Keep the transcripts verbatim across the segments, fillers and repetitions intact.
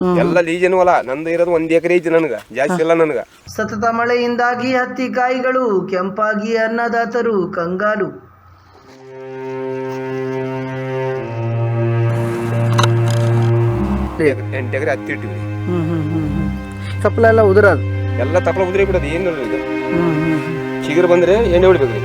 ಎಲ್ಲ ಲೀಜನು ಅಲ್ಲ, ನಂದು ಇರೋದು ಒಂದ್ ಎಕರೆ ಐತಿ, ನನಗ ಜಾಸ್ತಿ ಇಲ್ಲ ನನಗ. ಸತತ ಮಳೆಯಿಂದಾಗಿ ಹತ್ತಿ ಕಾಯಿಗಳು ಕೆಂಪಾಗಿ ಅನ್ನದಾತರು ಕಂಗಾಲು. ಎಂಟು ಎಕರೆ ಹತ್ತಿ ಇಟ್ಟಿವಿ. ತಪ್ಪಲ ಎಲ್ಲ ಉದುರದು, ಎಲ್ಲ ತಪ್ಪಲ ಉದುರಿ ಬಿಡೋದು. ಏನು ಇದು ಚಿಗುರು ಬಂದ್ರೆ ಎಣ್ಣೆ ಹೊಡಿಬೇಕ್ರಿ.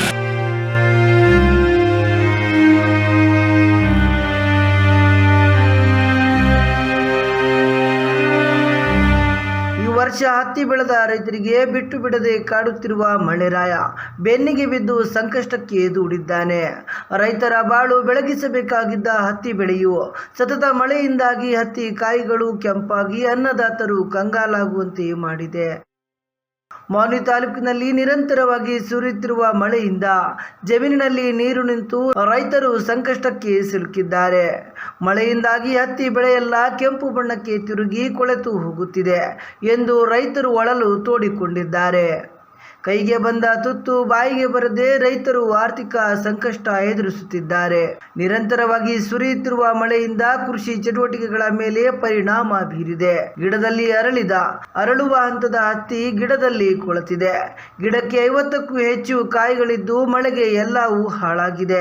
ವರ್ಷ ಹತ್ತಿ ಬೆಳೆದ ರೈತರಿಗೆ ಬಿಟ್ಟು ಬಿಡದೆ ಕಾಡುತ್ತಿರುವ ಮಳೆರಾಯ ಬೆನ್ನಿಗೆ ಬಿದ್ದು ಸಂಕಷ್ಟಕ್ಕೆ ದೂಡಿದ್ದಾನೆ. ರೈತರ ಬಾಳು ಬೆಳಗಿಸಬೇಕಾಗಿದ್ದ ಹತ್ತಿ ಬೆಳೆಯು ಸತತ ಮಳೆಯಿಂದಾಗಿ ಹತ್ತಿ ಕಾಯಿಗಳು ಕೆಂಪಾಗಿ ಅನ್ನದಾತರು ಕಂಗಾಲಾಗುವಂತೆ ಮಾಡಿದೆ. ಮಾನ್ವಿ ತಾಲೂಕಿನಲ್ಲಿ ನಿರಂತರವಾಗಿ ಸುರಿಯುತ್ತಿರುವ ಮಳೆಯಿಂದ ಜಮೀನಿನಲ್ಲಿ ನೀರು ನಿಂತು ರೈತರು ಸಂಕಷ್ಟಕ್ಕೆ ಸಿಲುಕಿದ್ದಾರೆ. ಮಳೆಯಿಂದಾಗಿ ಹತ್ತಿ ಬೆಳೆಯೆಲ್ಲ ಕೆಂಪು ಬಣ್ಣಕ್ಕೆ ತಿರುಗಿ ಕೊಳೆತು ಹೋಗುತ್ತಿದೆ ಎಂದು ರೈತರು ಒಳಲು ತೋಡಿಕೊಂಡಿದ್ದಾರೆ. ಕೈಗೆ ಬಂದ ತುತ್ತು ಬಾಯಿಗೆ ಬರದೆ ರೈತರು ಆರ್ಥಿಕ ಸಂಕಷ್ಟ ಎದುರಿಸುತ್ತಿದ್ದಾರೆ. ನಿರಂತರವಾಗಿ ಸುರಿಯುತ್ತಿರುವ ಮಳೆಯಿಂದ ಕೃಷಿ ಚಟುವಟಿಕೆಗಳ ಮೇಲೆ ಪರಿಣಾಮ ಬೀರಿದೆ. ಗಿಡದಲ್ಲಿ ಅರಳಿದ ಅರಳುವ ಹಂತದ ಹತ್ತಿ ಗಿಡದಲ್ಲಿ ಕೊಳೆತಿದೆ. ಗಿಡಕ್ಕೆ ಐವತ್ತಕ್ಕೂ ಹೆಚ್ಚು ಕಾಯಿಗಳಿದ್ದು ಮಳೆಗೆ ಎಲ್ಲವೂ ಹಾಳಾಗಿದೆ.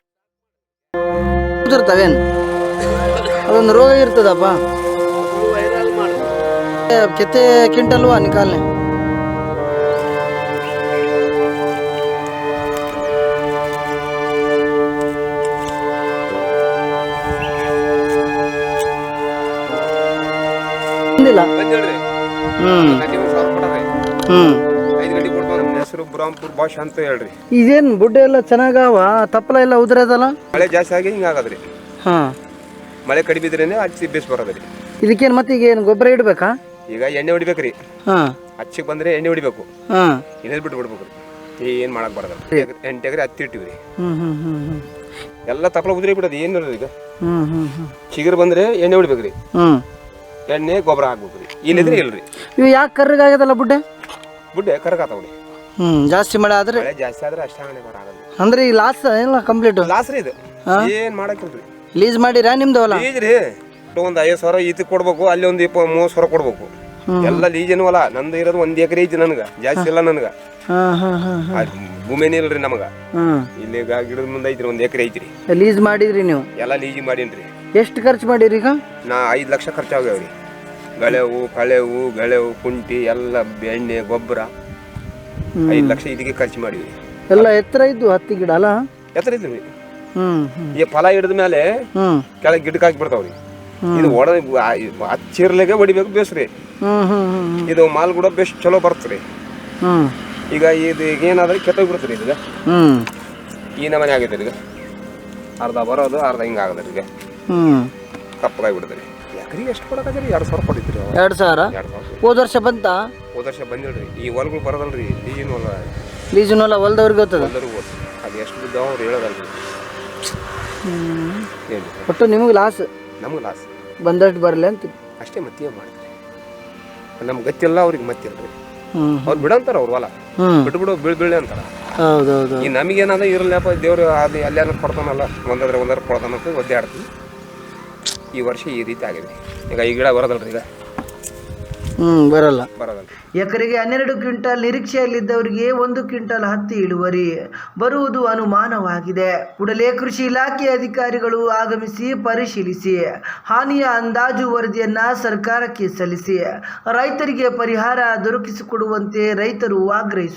ಅದೊಂದು ರೋಗ ಇರ್ತದಪ್ಪ. ಕೆತ್ತೆ ಕ್ವಿಂಟಲ್ವಾ ನಿಕಾಲ್ನೆ ಇದೇನ್ ಬುಡ್ಡೆ ಎಲ್ಲ ಚೆನ್ನಾಗವ, ತಪ್ಪಲ ಎಲ್ಲ ಉದ್ರದಲ್ಲ. ಮಳೆ ಜಾಸ್ತಿ ಆಗಿ ಹಿಂಗಾಗದ್ರಿ. ಹಾ, ಮಳೆ ಕಡಿಮೆ ಇದ್ರೇನೆ ಹಚ್ಚಿ ಬೇಸ್ ಬರೋದ್ರಿ. ಇದಕ್ಕೇನ್ ಮತ್ತೆ ಈಗ ಏನು ಗೊಬ್ಬರ ಇಡ್ಬೇಕಾ? ಈಗ ಎಣ್ಣೆ ಹೊಡಿಬೇಕ್ರಿ. ಹಾ, ಹಚ್ಚಿಗೆ ಬಂದ್ರೆ ಎಣ್ಣೆ ಹೊಡಿಬೇಕು. ಹಾ, ಇನ್ನೇನ್ ಬಿಟ್ಟು ಬಿಡ್ಬೇಕ್ರಿ. ಏನ್ ಮಾಡಕ್ ಬರದಲ್ಲ. ಎಂಟು ಎಕರೆ ಹತ್ತಿ ಇಟ್ಟಿವ್ರಿ. ಹ್ಮ್ ಹ್ಮ್ ಹ್ಮ್ ಎಲ್ಲ ತಪ್ಪಲ ಉದ್ರಿ ಬಿಡೋದು. ಏನು ಈಗ ಹ್ಮ್ ಹ್ಮ್ ಹ್ಮ್ ಚಿಗುರು ಬಂದ್ರೆ ಎಣ್ಣೆ ಹೊಡಿಬೇಕ್ರಿ. ಹ್ಮ್ ಎಣ್ಣೆ ಗೊಬ್ಬರ ಹಾಕ್ಬೇಕ್ರಿ. ಇಲ್ಲಿದ್ರೆ ಇಲ್ರಿ. ಇವು ಯಾಕೆ ಕರ್ರಗಾಗದಲ್ಲ ಬುಡ್ಡೆ? ಬುಡ್ಡೆ ಕರಗಾತಾವ್ರಿ. ಹ್ಮ್ ಜಾಸ್ತಿ ಮಳೆ ಆದ್ರೆ ಮಳೆ ಜಾಸ್ತಿ ಆದ್ರೆ ಅಷ್ಟ ಹಣೆ ಬರಾಗಲ್ಲ. ಅಂದ್ರೆ ಈ ಲಾಸ್ ಎಲ್ಲ ಕಂಪ್ಲೀಟ್ ಲಾಸ್ ರೀ ಇದು. ಏನ್ ಮಾಡಕ್ಕಿಲ್ರಿ. ಲೀಸ್ ಮಾಡಿರಾ ನಿಮ್ದು ಹೊಲ? ಲೀಜ್ ರೀ. ಒಂದ್ ಐವತ್ತು ಸಾವಿರ ಈತ ಕೊಡ್ಬೇಕು, ಅಲ್ಲಿ ಒಂದ್ ಇಪ್ಪ ಮೂವತ್ ಸಾವಿರ ಕೊಡ್ಬೇಕು. ಎಲ್ಲ ಲೀಜನು ಅಲ್ಲ, ನಂದು ಇರೋದು ಒಂದ್ ಎಕರೆ ಐತಿ, ನನಗ ಜಾಸ್ತಿ ಇಲ್ಲ ನನಗ. ಭೂಮಿನೇ ಇಲ್ರಿ ನಮಗ. ಇಲ್ಲಿ ಗಿಡದ ಮುಂದೆ ಐತ್ರಿ, ಒಂದ್ ಎಕರೆ ಐತ್ರಿ. ಲೀಸ್ ಮಾಡಿದ್ರಿ ನೀವು? ಎಲ್ಲ ಲೀಜ್ ಮಾಡೀನ್ರಿ. ಎಷ್ಟು ಖರ್ಚು ಮಾಡಿರಿ ಈಗ? ನಾ ಐದ್ ಲಕ್ಷ ಖರ್ಚಾಗ್ಯಾವ್ರಿ. ಗಳೆವು ಕಳೆವು ಗಳೆವು ಕುಂಟಿ ಎಲ್ಲ ಎಣ್ಣೆ ಗೊಬ್ಬರ ಐದ್ ಲಕ್ಷ ಇದಕ್ಕೆ ಖರ್ಚು ಮಾಡಿವಿ. ಎಲ್ಲ ಎತ್ತರ ಇದ್ದು ಹತ್ತಿ ಗಿಡ ಅಲ್ಲ? ಎತ್ತರ ಇದ್ರಿ. ಹ್ಮ್ ಈ ಫಲ ಹಿಡಿದ ಮೇಲೆ ಕೆಳಗೆ ಗಿಡಕ್ಕೆ ಹಾಕಿ ಬಿಡ್ತಾವ್ರಿ. ಇದು ಒಡ ಹಚ್ಚಿರ್ಲೆಗೆ ಹೊಡಿಬೇಕು ಬೇಸ್ರಿ. ಇದು ಮಾಲ್ ಕೂಡ ಬೆಸ್ಟ್ ಚಲೋ ಬರ್ತರಿ. ಈಗ ಇದು ಏನಾದ್ರೆ ಕೆಟ್ಟೋಗಿ ಬಿಡ್ತರಿ. ಈಗ ಈ ನಮನೆ ಆಗೈತೆ. ಈಗ ಅರ್ಧ ಬರೋದು ಅರ್ಧ ಹಿಂಗ ಆಗದ್ರಿ. ಈಗ ಕಪ್ಪಗಾಗಿ ಬಿಡ್ತರಿ. ಎಕರೆಗೆ ಎಷ್ಟು ಕೊಡಕತ್ತೀರಿ? ಎರಡ್ ಸಾವಿರ ಕೊಡಿದ್ರಿ. ಎರಡ್ ಸಾವಿರ ಎರಡ್ ಸಾವಿರ ಹೋದ ವರ್ಷ ಬಂತ? ಹೋದ ವರ್ಷ ಬಂದಿಲ್ರಿ. ಈ ಹೊಲಗಳು ಬರೋದಲ್ರಿ. ಲೀಜಿನ ಹೊಲ. ಲೀಜಿನ ಹೊಲ ಹೊಲದವ್ರಿಗೆ ಗೊತ್ತದ. ಅದು ಎಷ್ಟು ಬಿದ್ದಾವ ಅವ್ರು ಹೇಳೋದಲ್ರಿ. ಒಟ್ಟು ನಿಮಗೆ ಲಾಸ್, ನಮ್ಗೆ ಲಾಸ್. ಬಂದಷ್ಟು ಬರಲಿ ಅಂತ ಅಷ್ಟೇ. ಮತ್ತೆ ಮಾಡ್ತಾರೆ. ನಮ್ಗೆ ಗೊತ್ತಿಲ್ಲ, ಅವ್ರಿಗೆ ಮತ್ತಿಲ್ರಿ. ಅವ್ರು ಬಿಡಂತಾರ ಅವ್ರ ಹೊಲ ಬಿಟ್ಟು ಬಿಡು ಬೀಳ್ ಬೀಳಿ ಅಂತಾರ. ಹೌದೌದು. ಈ ನಮಗೇನಾದ ಇರಲ್ಲಪ್ಪ, ದೇವ್ರು ಅದು ಎಲ್ಲಾನ ಕೊಡ್ತಾನಲ್ಲ, ಒಂದಾದ್ರೆ ಒಂದಾರ ಕೊಡ್ತಾನಂತ ಒದ್ದೆ ಆಡ್ತೀವಿ. ಈ ವರ್ಷ ಈ ರೀತಿ ಆಗಿದೆ. ಈಗ ಈ ಗಿಡ ಬರೋದಲ್ರಿ. ಈಗ ಹ್ಮ್ ಬರಲ್ಲ ಬರೋದಲ್ರಿ. ಎಕರೆಗೆ ಹನ್ನೆರಡು ಕ್ವಿಂಟಲ್ ನಿರೀಕ್ಷೆಯಲ್ಲಿದ್ದವರಿಗೆ ಒಂದು ಕ್ವಿಂಟಲ್ ಹತ್ತಿ ಇಳುವರಿ ಬರುವುದು ಅನುಮಾನವಾಗಿದೆ. ಕೂಡಲೇ ಕೃಷಿ ಇಲಾಖೆ ಅಧಿಕಾರಿಗಳು ಆಗಮಿಸಿ ಪರಿಶೀಲಿಸಿ ಹಾನಿಯ ಅಂದಾಜು ವರದಿಯನ್ನ ಸರ್ಕಾರಕ್ಕೆ ಸಲ್ಲಿಸಿ ರೈತರಿಗೆ ಪರಿಹಾರ ದೊರಕಿಸಿಕೊಡುವಂತೆ ರೈತರು ಆಗ್ರಹಿಸಿದರು.